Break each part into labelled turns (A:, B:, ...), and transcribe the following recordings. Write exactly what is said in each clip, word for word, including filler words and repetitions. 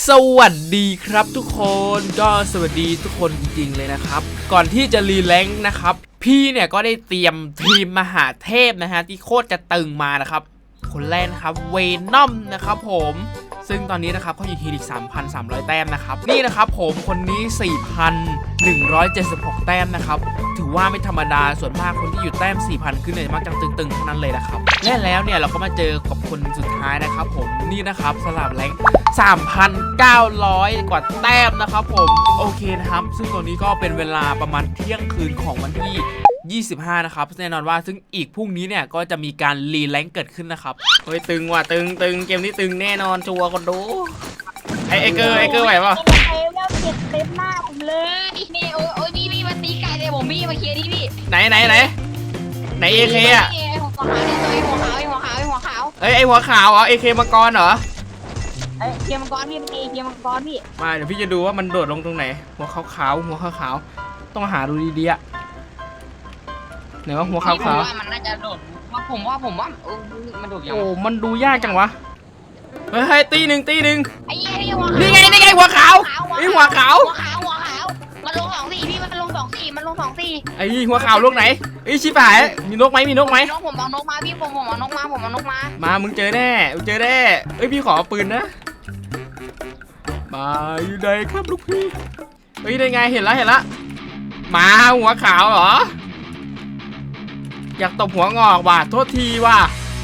A: สวัสดีครับทุกคนก็สวัสดีทุกคนจริงๆเลยนะครับก่อนที่จะรีแลงค์นะครับพี่เนี่ยก็ได้เตรียมทีมมหาเทพนะฮะที่โคตรจะตึงมานะครับคนแรกนะครับเวนอมนะครับผมซึ่งตอนนี้นะครับเขาอยู่ทีอีก สามพันสามร้อย แต้มนะครับนี่นะครับผมคนนี้ สี่พันหนึ่งร้อยเจ็ดสิบหก แต้มนะครับถือว่าไม่ธรรมดาส่วนมากคนที่อยู่แต้ม สี่พัน ขึ้นเนี่ยมักจะตึงๆทั้งนั้นเลยนะครับและแล้วเนี่ยเราก็มาเจอกับคนสุดท้ายนะครับผมนี่นะครับสลับแรง สามพันเก้าร้อย กว่าแต้มนะครับผมโอเคนะครับซึ่งตอนนี้ก็เป็นเวลาประมาณเที่ยงคืนของวันที่ยี่สิบห้านะครับแน่นอนว่าซึ่งอีกพรุ่งนี้เนี่ยก็จะมีการรีแลงค์เกิดขึ้นนะครับเฮ้ยตึงว่ะตึงตึงเกมนี้ตึงแน่นอนชัวร์คนดูไอไอเกอร์ไอเกอร์ไหวป่ะ
B: เอวแล้วเจ็บเต็มหน้าผมเลยนี่โอ้ยโอ้ยพี่พี่มาตีไก่เลยผมพี่มาเคลียร์ดิพี่
A: ไหนไหนไหนไหนเอเคอะ
B: ไอ้หัวขาวเนี่ยตัวไอ้หัวขาวไอ้หัวขาวไอ้หัวขาว
A: เอ้ยไอหัวขาวเหรอเอเคมังกรเหรอ
B: เอ้ยเคลียร์มังกรพี่เป็นเอเคลียร์มังกรพี่
A: มาเดี๋ยวพี่จะดูว่ามันโดดลงตรงไหนหัวขาวขาวหัวขาวขาวต้องหาดูดีๆอะไหนว่าหัวขาวขาว
B: มันน่าจะโดดว่าผมว่าผมว่ามันโดดยัง
A: โอ้มันดูยากจังวะเฮ้ยตีหนึ่งตีหนึ่ง
B: ไอ้ยี่หัวขาว
A: นี่ไงนี่ไงหัวขาวไอ้หัวขาว
B: หัวขาวหัวขาวมันลงสองสี่พี่มันลงสองสี่มันลงสองสี่
A: ไอ้หัวขาวลูกไหนไอ้ชิบหายมีนกไหมมีนกไหม
B: น้องผมเอานกมาพี่ผมผมเอานกมาผมเอานกมา
A: มามึงเจอแน่มึงเจอแน่เอ้ยพี่ขอปืนนะมาอยู่ไหนครับลูกพี่เฮ้ยได้ไงเห็นแล้วเห็นแล้วมาหัวขาวเหรออยากตบหัวงอกว่ะโทษทีว่ะ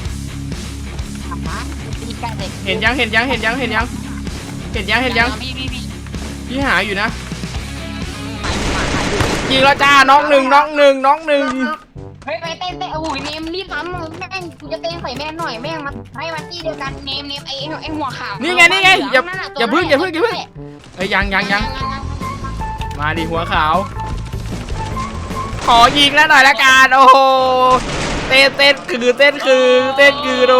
A: เห็นยังเห็นยังเห็นยังเห็นยังเห็นยังเห็นยังพี่หาอยู่นะยิงแล้วจ้าน้องหนึ่งน้องหนึ่งน้องหนึ่ง
B: เฮ้ยไปเต้นเต้นโอ้ยเนมรีบทำแม่งกูจะเต้นใส่แม่หน่อยแม่งมาให้มาที่เดียวกันเนมเนมไอ้ไอ้หัวขาว
A: นี่ไงนี่ไงอย่าอย่าพึ่งอย่าพึ่งอย่าพึ่งเอ้ยยังยังยังมาดิหัวขาวขอยิงแล้วหน่อยละกันโอ้โหเต้นเต้นคือเต้นคือเต้นคือดู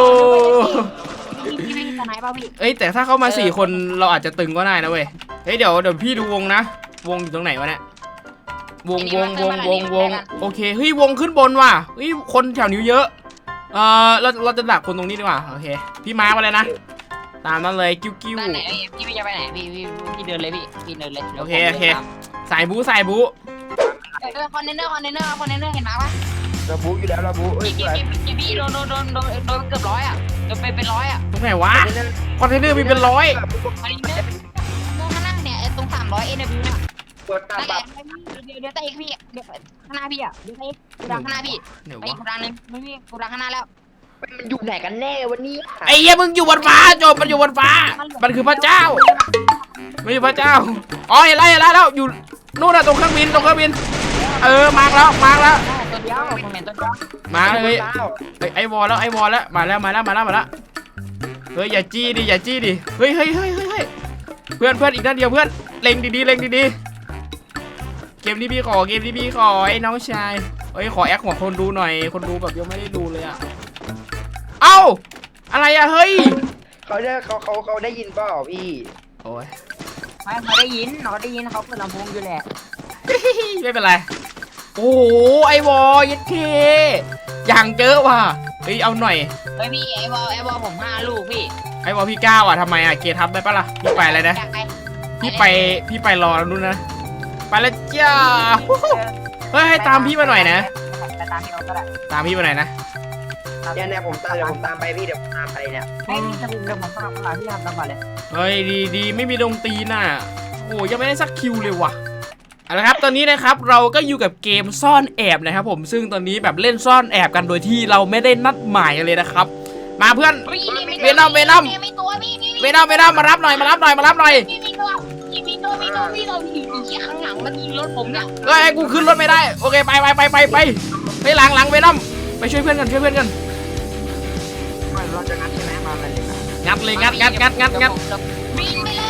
A: เอ้ยแต่ถ้าเข้ามาสี่คนเราอาจจะตึงก็ได้นะเว้ยเฮ้ยเดี๋ยวเดี๋ยวพี่ดูวงนะวงอยู่ตรงไหนวะเนี่ยวงวงวงวงวงโอเคเฮ้ยวงขึ้นบนว่ะเฮ้ยคนแถวนี้เยอะเออเราเราจะดักคนตรงนี้ดีกว่าโอเคพี่มาร์คมาเลยนะตามนั้นเลยกิ้วกิ้ว
B: พี่พี่จะไปไหนพี่พี่พี่เดินเลยพี่พี่เดินเลย
A: โอเคโอเคสายบู๊สายบู๊
B: คอนเทนเนอร์คอนเทนเนอร์คอนเทนเนอร์เห็นไหมวะ
C: ระบุอยู่แล้วระบุเอ้ย
B: พี่พี่โดนโดนโดนโดนโดนเกือบร้อยอ่ะโดนไปเป็นร้อยอ่ะ
A: ตรงไหนวะคอนเทนเนอร์มีเป็นร้อย
B: คอนเทนเนอร์ข้างล่างเนี่ยตรงสามร้อยเอ็นบิวเนี่ย
C: เปิดตาบับ
B: เดี๋ยวเดี๋ยวเตะพี่เดี๋ยวข้างหน้าพี่อ่ะเดี๋ยวเตะกูดังข้างหน้าพี่ไอ้กูดังนึงไม่พี่กูดังข้างหน้าแล้ว
C: มันอยู่ไหนกันแน่วันนี้
A: ไอ้เหี้ยมึงอยู่บนฟ้าโจมมันอยู่บนฟ้ามันคือพระเจ้าไม่ใช่พระเจ้าอ๋อเห็นแล้วเห็นแล้วแล้วอยู่นู่นน่ะตรงเครื่องบินตรงเครื่องบินเออมาแล้วมาแล้ว
B: ตัวเดียวผมเห็นตัวเดียว
A: มาเลยไอ้วอลแล้วไอ้วอลแล้วมาแล้วมาแล้วมาแล้วมาแล้วเฮ้ยอย่าจี้ดิอย่าจี้ดิเฮ้ยเฮ้ยเฮ้ยเฮ้ยเพื่อนเพื่อนอีกด้านเดียวเพื่อนเล็งดีๆเล็งดีๆเกมนี้พี่ขอเกมนี้พี่ขอไอ้น้องชายเฮ้ยขอแอคของคนดูหน่อยคนดูแบบยังไม่ได้ดูเลยอะเอ้าอะไรอะเฮ้ย
C: เขาได้เขาเขาเขาได้ยินเปล่าพี่
A: โอ้ย
B: ไม่เขาได้ยินเขาได้ยินเขาเปิดลำโพงอยู่แหละ
A: ไม่เป็นไรโอ้โหไอวอลยัดเคอย่างเจอว่ะเฮ้ยเอาหน่อย
B: เฮ้ยพี่ไอบอลไอบอลผมห้าลูกพี่
A: ไอวอลพี่เก้าอ่ะทำไมอ่ะเกทับได้ปะล่ะพี่ไปอะไรนะพี่ไปพี่ไปรอแล้วนู่นนะไปแล้วจ้าเฮ้ยให้ตามพี่มาหน่อยนะ
B: ตามพี่เราก็ได้
A: ตามพี่มาหน่อยนะ
C: เนี่ยเนี่ยผมตามเดี๋ยวผมตามไปพี่เดี๋ยวผมตามไปเนี่ย
B: เฮ้ยจะเดี๋ยวผมตามไปพี่ทำตามก่อนเลย
A: เฮ้ยดีดีไม่มีดงตีน่ะโอ้ยังไม่ได้สักคิวเลยว่ะเอาละครับตอนนี้นะครับเราก็อยู่กับเกมซ่อนแอบนะครับผมซึ่งตอนนี้แบบเล่นซ่อนแอบกันโดยที่เราไม่ได้นัดหมายกันเลยนะครับมาเพื่อนเวนอมเวนอมเวนอมเวนอมมารับหน่อยมารับหน่อยมารับหน่อย
B: มีตัวมีตัวมีตัวมีตัวมีตัวข้างหลังมันยิงรถผมเนี่ย
A: เฮ้ยกูขึ้นรถไม่ได้โอเคไปไปไปไปไปไปหลังหลังเวนอมไปช่วยเพื่อนกันช่วยเพื่อนกัน
C: เราจะงัดใช่ไหมมาเลย
A: งัดเลยงัดงัดงัดงัดงัด
B: บินไปเลย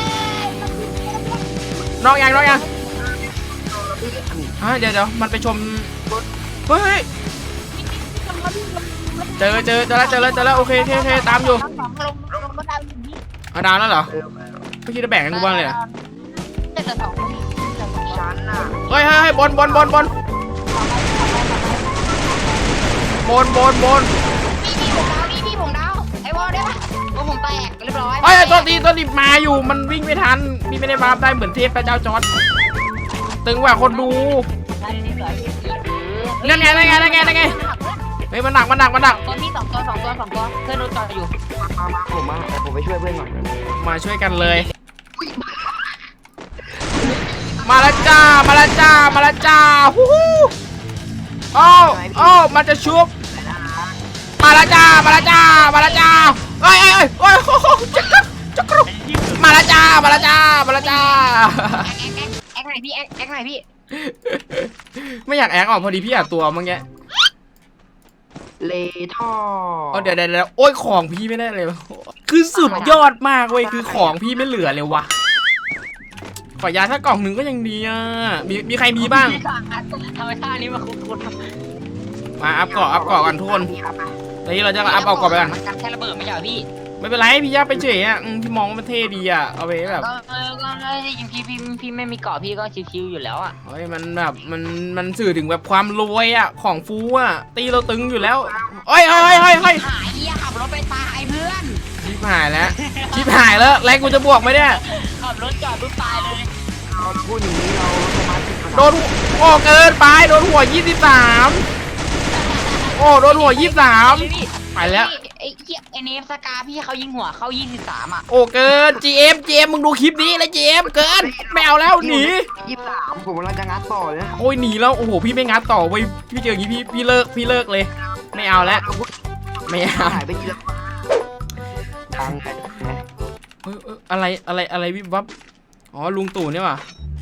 A: นอกยังนอกยังเดี๋ยวเดี๋ยวมันไปชมเฮ้ยเจอเจอเจอแล้วเจอแล้วเจอแล้วโอเคโอเคโอเคตามอยู่เอาดาวแล้วเหรอไม่คิดจะแบ่งกันกูบ้างเลยเฮ้ยเฮ้ยบอลบอลบอลบอลบอลบอลบอล
B: พี่พี่ผมดาวพี่พี่ผมดาวไอ้บอลได้ปะก็ผมแตกเรียบร้อย
A: เฮ้ยตัวตีตัวตีมาอยู่มันวิ่งไม่ทันพี่ไม่ได้บาร์ได้เหมือนเทพพระเจ้าจอร์จตึงกว่าคนดูนั่นไงนั่นไงนั่นไงนั่นไงเฮ้ยมันหนักมันหนักมันหนัก
B: ตัวมีสองตัวสองตัวสองตัวเพื่อนรถจอดอยู่
C: มามาผมมาผมไปช่วยเพื่อนก่อน
A: มาช่วยกันเลย มาแล้วจ้ามาแล้วจ้ามาแล้วจ้าฮู้ฮู้โอ้โอ้มันจะชุบมาแล้วจ้ามาแล้วจ้ามาแล้วจ้าเฮ้ยเฮ้ยเฮ้ยโอ้โหจักรจักรมาแล้วจ้ามาแล้วจ้ามาแล้วจ้า
B: แอคแอคแอคไหนพี่แอคแอคไหนพี่
A: ไม่อยากแอกออกพอดีพี่อยากตัวเมื่อกี้
C: เลท่อ
A: อ๋อเดี๋ยวเดี๋ยวเดี๋ยวโอ้ยของพี่ไม่ได้เลยคือสุดยอดมากเว้ยคือของพี่ไม่เหลือเลยวะขอยาถ้ากล่องหนึ่งก็ยังดีอ่ะมีมีใครมีบ้าง
B: ธรรมชาตินี้มาคุ้น
A: มาอัพเกาะอัพเกาะกันทุกคนตอนนี้เราจะอัพเอาเกาะไปกัน
B: มันกันแค่ระเบิดไม่ใช่เหรอพี่
A: ไม่เป็นไรพี่ย่าไปเฉยอ่ะอืมพี่มองว่ามันเท่ดีอ่ะเอาไปแบบ
B: ก็เออก็เลยจริงๆพี่พี่พี่ไม่มีเกาะพี่ก็ชิวๆอยู่แล้วอ่ะ
A: เฮ้ยมันแบบมันมันสื่อถึงแบบความรวยอ่ะของฟูอ่ะตีเราตึงอยู่แล้วเฮ้ยเฮ้ยเฮ้ยเฮ้ย
B: หายเหี้ยขับรถไปตายเพื่อน
A: ชิบหายแล้วชิบหายแล้วแรงกูจะบวกไหมเนี่ย
B: ขับรถจอดปุ๊บตายเลย
C: เราพูดอย่างนี้เราสมาธิ
A: โดนโอ้เกินไปโดนหัวยี่สิบสามโอ้โดนหัวยี่สิบสาม ไปแล้ว
B: ไอ้เหี้ยไอ้เนฟสกาพี่เขายิงหัวเข้ายี่สิบสามอ่ะ
A: โอ้เกิน จี เอ็ม จี เอ็ม มึงดูคลิปนี้เลย จี เอ็ม เกินไม่เอาแล้วหนี
C: ยี่สิบสามผมกำลังจะงัดต่อเลยนะ
A: โอ้ยหนีแล้วโอ้โหพี่ไม่งัดต่อเว้ยพี่เจออย่างงี้พี่พี่เลิกพี่เลิกเลย ไม่เอาแล้วไม่เอา
C: หายไปทีละดังไง
A: เอ้ยเอ้ยอะไรอะไรอะไรวิบวับอ๋อลุงตู่นี่ว่ะ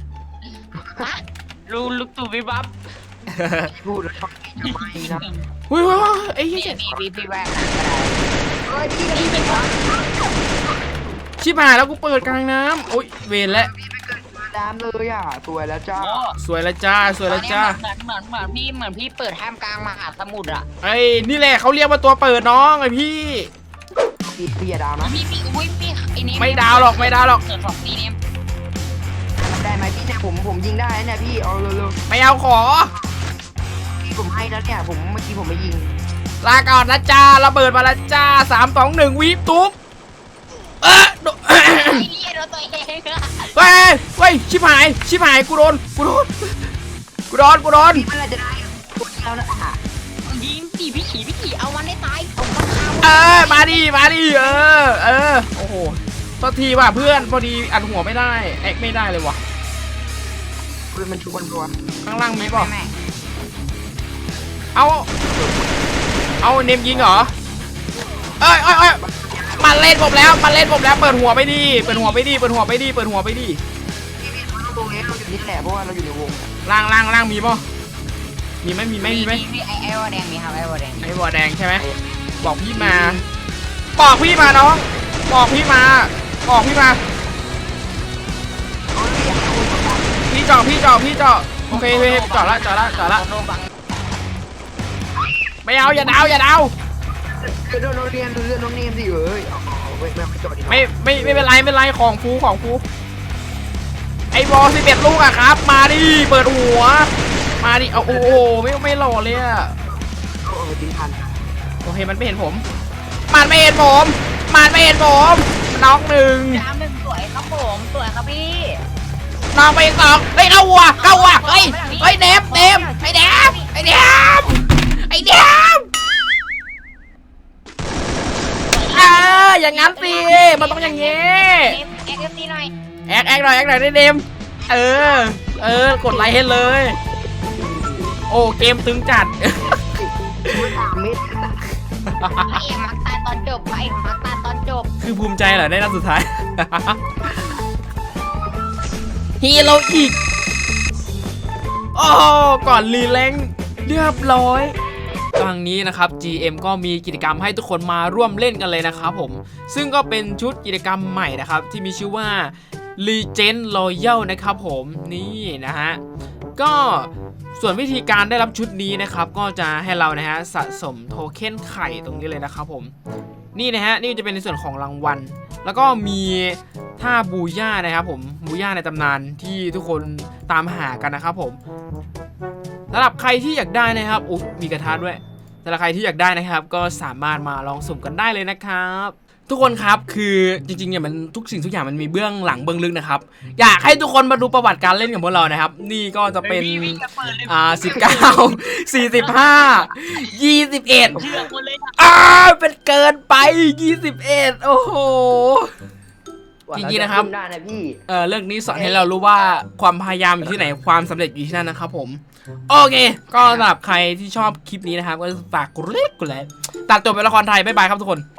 B: ลูลูกตู่วิบับ
C: พูดแล้วชอบจะไม่นะ
A: เฮ้ยเฮ้ยเฮ้ยไอ้เหี้
B: พี่
A: ย
B: พี่พี่พี่แวก
C: เฮ้ยพี่
B: พี่เป็นวะ
A: ชิบหายแล้วกูเปิดกลางน้ำโอ้ยเวรแล้ว
C: ดามเลยอ่ะสวยแล้วจ้า
B: โอ้
A: สวยแล้วจ้าสวยแล้วจ้า
B: เหมือนเหมือนเหมือนพี่เหมือนพี่เปิดท่ามกลางมหาสมุทรอ่ะ
A: ไอ้นี่แหละเขาเรียกว่าตัวเปิดน้องไอ้พี่
C: พี่พี่อย่าดามนะ
B: พี่พี่อุ้ยพี่ไอ้เนฟ
A: ไม่ดาวหรอกไม่ดาวหรอก
B: เกิดสองปีเนฟ
C: ได้ไหมพี่เนี่ยผมผมยิงได้เนี่ยพี่เอาเร็ว
A: ไม่เอาขอ
C: ๆพี่ผมให้แล้วเนี่ยผมเมื่อกี้ผมไม่ยิง
A: ลาก่อนนะจ้าระเบิดมาแล้วจ้าสามสองหนึ่งวิบตุ๊บเออโด
B: ไอ้เหี้ยโดนตัวเองอะ
A: เฮ้ยเฮ้ยชิบหายชิบหายกูโดนกูโดนกูโดนกูโดน
C: พี่เมื่อไรจะได้ตัวเดียวนะอ่ะ
B: ยิงสี่พี่ขี่พี่ขี่เอามันได้ตายเอามันฆ่า
A: เออมาดิมาดิเออเออโอ้โหโทษทีว่ะเพื่อนพอดีอัดหัวไม่ได้แอกไม่ได้เลยว่ะ
C: เพื่อนมันชุบกันตัว
A: ข้างล่างมีป่ะ
B: แม่
A: เอาเอาเนมยิงเหรอเอ้ยเอ้ยเอ้ยมาเล่นผมแล้วมาเล่นผมแล้วเปิดหัวไปดิเปิดหัวไปดิเปิดหัวไปดิเปิดหัวไปดิ
C: พี่พี่เราตรงนี้เราอยู่นี่แหละเพราะว่าเราอยู่ในวง
A: ล่างล่างล่างมีป่ะมีไหมมีไหมมีไหม
B: พี่ไอ้ไอ้วอแดงมีครับไอ้วอแดง
A: ไอ้บัวแดงใช่ไหมบอกพี่มา บอกพี่มาน้อง บอกพี่มา บอกพี่มา พี่เจาะพี่เจาะพี่เจาะโอเคโอเคเจาะละเจาะละเจาะละ
B: โดนบัง
A: ไม่เอาอย่าดาวอย่าดาว
C: เดี๋ยวเราเรียนเรื่องน้องเนียนสิเอ้ยไม่ไม่ไม่จอดดี
A: ไม่ไม่ไม่เป็นไรไม่เป็นไรของฟูของฟูไอ้บอลสิบเอ็ดลูกอะครับ มาดิเปิดหัว มาดิเอาโอ้โหไม่ไม่หล่อเลยอะ
C: โอ้ยทิ้งทัน
A: โอเคมันไม่เห็นผม มันไม่เห็นผมมันไม่เห็นผมน้องหนึ่ง
B: น้ำหนึ่งสวยครับผมสวยครับพี่
A: น้องไปอีกสองเฮ้ยเข้าวัวเข้าวัวเฮ้ยเฮ้ยเดมเดมไอ้เดมไอ้เดมไอ้เดมเอออย่างงั้นสิมันต้องอย่างงี้
B: เอ็กเอฟซีหน่อย
A: แอกแอกหน่อยแอกหน่อยได้เดมเออเออกดไลค์ให้เลย โอ้เกมตึงจัด
C: สามเมตร
B: ไอ้เอ็มมักตายตอนจบไอ้เอ็มมักตายตอนจบ
A: คือภูมิใจเหรอได้นัดสุดท้าย ฮีโร่อีกโอ้ก่อนรีแลงค์เรียบร้อยครั้งนี้นะครับ จี เอ็ม ก็มีกิจกรรมให้ทุกคนมาร่วมเล่นกันเลยนะครับผมซึ่งก็เป็นชุดกิจกรรมใหม่นะครับที่มีชื่อว่า Legend Royal นะครับผมนี่นะฮะก็ส่วนวิธีการได้รับชุดนี้นะครับก็จะให้เรานะฮะสะสมโทเค็นไข่ตรงนี้เลยนะครับผมนี่นะฮะนี่จะเป็นในส่วนของรางวัลแล้วก็มีท่าบูย่านะครับผมบูย่าในตำนานที่ทุกคนตามหากันนะครับผมสำหรับใครที่อยากได้นะครับอุ๊ยมีกระทะด้วยสำหรับใครที่อยากได้นะครับก็สามารถมาลองสุ่มกันได้เลยนะครับทุกคนครับคือจริงๆเนี่ยมันทุกสิ่งทุกอย่างมันมีเบื้องหลังเบื้องลึกนะครับอยากให้ทุกคนมาดูประวัติการเล่นของพวกเรานะครับนี่ก็จะเป็นอ่าสิบเก้าสี่สิบห้ายี่สิบเอ็ด
D: เชื่อคนเลย
A: อ่าเป็นเกินไปยี่สิบเอ็ดโอ้โห จริงๆนะครับ
C: ได้นะพี่
A: เออเรื่องนี้สอนให้เรารู้ว่าความพยายามอยู่ที่ไหนความสำเร็จอยู่ที่นั่นนะครับผมโอเคก็สำหรับใครที่ชอบคลิปนี้นะครับก็ฝากกดไลค์กดไลค์ตัดจบเป็นละครไทยบ๊ายบายครับทุกคน